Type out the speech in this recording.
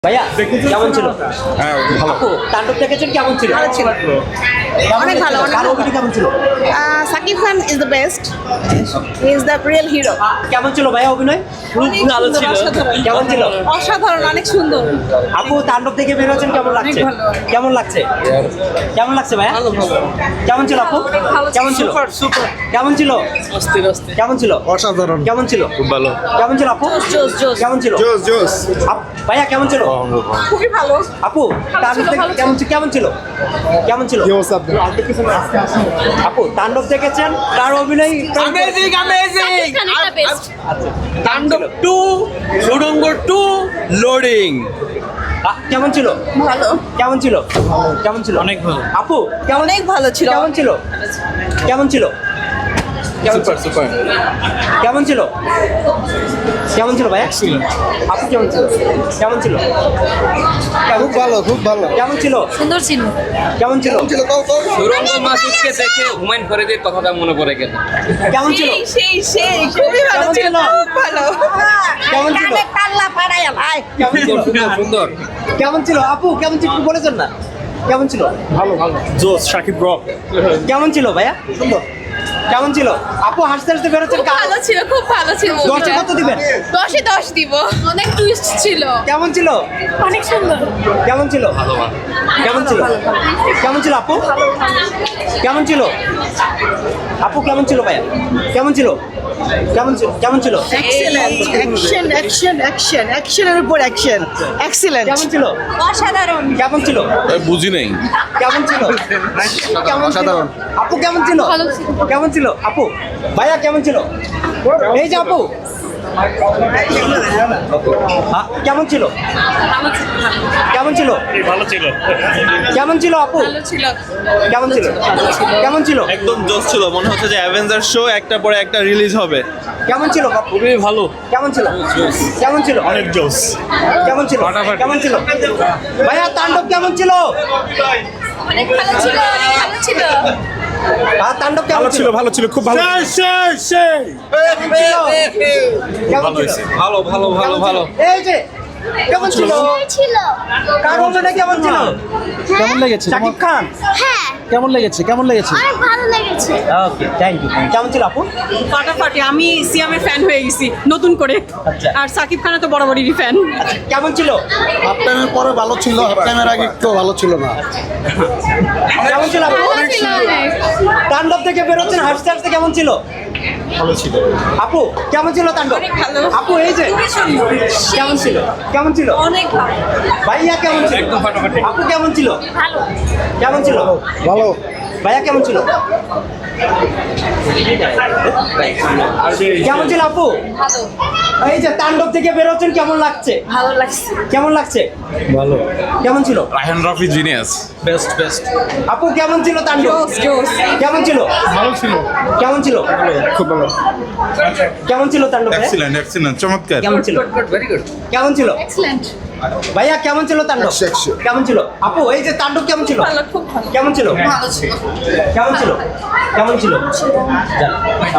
ভাইয়া কেমন ছিল? হ্যাঁ ভালো। আপু তাণ্ডব দেখেছেন, কেমন ছিল? ভালো ছিল। অনেক ভালো, অনেক কার ভালো। অভিনয় কেমন ছিল? Shakib Khan is the best, he is the real hero. কেমন ছিল ভাইয়া অভিনয়? অনেক ভালো সুন্দর, ছিল। অসাধারণ। কেমন ছিল? অসাধারণ, অনেক সুন্দর। আপু তাণ্ডব দেখে বের হচ্ছেন, কেমন লাগছে? অনেক ভালো। কেমন লাগছে? কেমন লাগছে ভাইয়া? কেমন ছিল আপু? কেমন ছিল? কেমন ছিল? কেমন ছিল? অসাধারণ। কেমন ছিল? খুব ভালো। কেমন ছিল আপু? জোস, জোস। কেমন ছিল? জোস জোস। ভাইয়া কেমন ছিল? খুবই ভালো। আপু তাণ্ডব ছিল, দেখে ভালো কেমন কেমন ছিল? কেমন ছিল? আপু তাণ্ডব দেখেছেন, কার অভিনয়? অ্যামেজিং অ্যামেজিং তাণ্ডব আচ্ছা। 2 সুড়ঙ্গ 2 লোডিং কেমন ছিল? ভালো, কেমন ছিল? কেমন ছিল? অনেক ভালো। আপু কেমন? অনেক ভালো ছিল। কেমন ছিল? কেমন ছিল? কেমন ছিল? সুপার। কেমন ছিল? কেমন ছিল ভাইয়া? আপু কেমন ছিল? কেমন ছিল? খুব ভালো, খুব ভালো। কেমন ছিল? সুন্দর ছিল। কেমন ছিল? সুড়ঙ্গ মাসুদকে দেখে হুমায়ুন ফরিদের কথাটা মনে পড়ে গেল। কেমন ছিল? সেই খুবই ভালো কেমন ছিল, ছিল? খুব ভালো। কেমন ছিল? কাল্লা পাড়াইয়া ভাই। কেমন ছিল? সুন্দর সুন্দর কেমন ছিল? আপু কেমন ছিল একটু বলেছেন না? কেমন ছিল? ভালো ভালো। জোস শাকিব রক। কেমন ছিল ভাইয়া? সুন্দর। কেমন ছিল? আপু হাসতে হাসতে বেরোচ্ছেন, খুব ভালো ছিল, খুব ভালো ছিল। 10-এ কত দিবেন? 10-এ 10 দিব। অনেক টুইস্ট ছিল। কেমন ছিল? অনেক সুন্দর। কেমন ছিল? কেমন ছিল? কেমন ছিল আপু? কেমন ছিল? আপু কেমন ছিল ভাইয়া? কেমন ছিল? কেমন ছিল? কেমন ছিল? এক্সেলেন্ট, অ্যাকশন অ্যাকশন অ্যাকশন অ্যাকশনের উপর অ্যাকশন, এক্সেলেন্ট। কেমন ছিল? অসাধারণ। কেমন ছিল? বুঝি নেই। কেমন ছিল? কেমন ছিল? অসাধারণ। আপু কেমন ছিল? ভালো ছিল। কেমন ছিল? আপু ভাইয়া কেমন ছিল? এই যে আপু কেমন ছিল? কেমন ছিল? ভালো ছিল। কেমন ছিল আপু? ভালো ছিল। কেমন ছিল? কেমন ছিল? একদম জোস ছিল, মনে হচ্ছে যে অ্যাভেঞ্জার শো একটা পরে একটা রিলিজ হবে। কেমন ছিল? খুবই ভালো। কেমন ছিল? কেমন ছিল? অনেক জোস। কেমন ছিল? কেমন ছিল? ভাইয়া তাণ্ডব কেমন ছিল? অনেক ভালো ছিল, অনেক ভালো ছিল। তাণ্ডব কেমন ছিল? ভালো ছিল, খুব ভালো। কেমন ছিল? ভালো ভালো ভালো ভালো। এই যে কেমন ছিল? কার অভিনয় কেমন ছিল? কেমন লেগেছে? শাকিব খান। হ্যাঁ, কেমন লেগেছে? কেমন লেগেছে? অনেক ভালো লেগেছে। Okay, thank you. কেমন ছিল আপু? ফাটাফাটি, আমি সিয়ামের ফ্যান হয়ে গেছি নতুন করে। আচ্ছা। আর সাকিব খান তো বরাবরই ফ্যান। কেমন ছিল? হাফ টাইমের পরে ভালো ছিল, হাফ টাইমের আগে একটু ভালো ছিল না। কেমন ছিল আপু? ভালো ছিল অনেক। তাণ্ডব থেকে বেরোচ্ছেন হাসতে হাসতে, কেমন ছিল? ভালো ছিল। আপু কেমন ছিল তাণ্ডব? অনেক ভালো। আপু এই যে কেমন ছিল? কেমন ছিল? অনেক ভালো। ভাইয়া কেমন ছিল? আপু কেমন ছিল? ভালো। কেমন ছিল? ভালো। ভাইয়া কেমন ছিল? কেমন ছিল আপু? ভালো। এই যে তাণ্ডব থেকে বেরোচ্ছেন, কেমন লাগছে? ভালো লাগছে। কেমন লাগছে? ভালো। কেমন ছিল? Raihan Rafi genius. Best best. আপু কেমন ছিল তাণ্ডব? কেমন ছিল? ভালো ছিল। কেমন ছিল? খুব ভালো। কেমন ছিল তাণ্ডব? এক্সিলেন্ট এক্সিলেন্ট, চমৎকার। কেমন ছিল? ভেরি গুড কেমন ছিল? এক্সেলেন্ট। ভাইয়া কেমন ছিল তাণ্ডব? একশো। কেমন ছিল? আপু এই যে তাণ্ডব কেমন ছিল? ভালো, খুব ভালো। কেমন ছিল? ভালো ছিল। কেমন ছিল? কেমন ছিল?